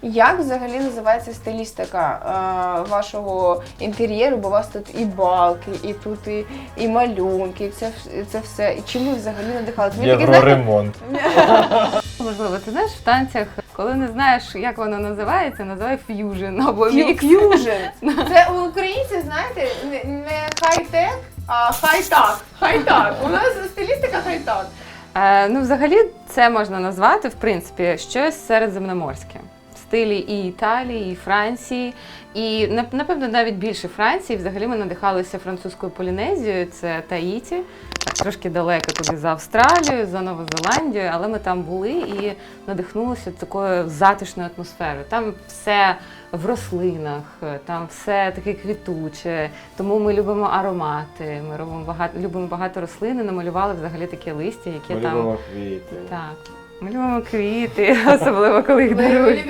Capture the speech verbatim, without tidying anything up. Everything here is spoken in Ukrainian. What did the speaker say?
Як взагалі називається стилістика е, вашого інтер'єру? Бо у вас тут і балки, і тут і, і малюнки, і це, і це все. І чим ви взагалі надихали? Євроремонт. Можливо, ти знаєш, в танцях, коли не знаєш, як воно називається, називай ф'южн або мікс. Ф'южн. Це у українців, знаєте, не, не хай-тек, а хай-так. Хай-так. У нас стилістика хай-так. Е, ну, взагалі, це можна назвати, в принципі, щось середземноморське. В стилі і Італії, і Франції, і, напевно, навіть більше Франції. Взагалі ми надихалися французькою Полінезією, це Таїті, так, трошки далеко туди за Австралію, за Нову Зеландію, але ми там були і надихнулися такою затишною атмосферою. Там все в рослинах, там все таке квітуче, тому ми любимо аромати, ми робимо багато, любимо багато рослин і намалювали взагалі таке листя, яке Ми там… любимо квіти. Так, ми любимо квіти, особливо коли їх дарують.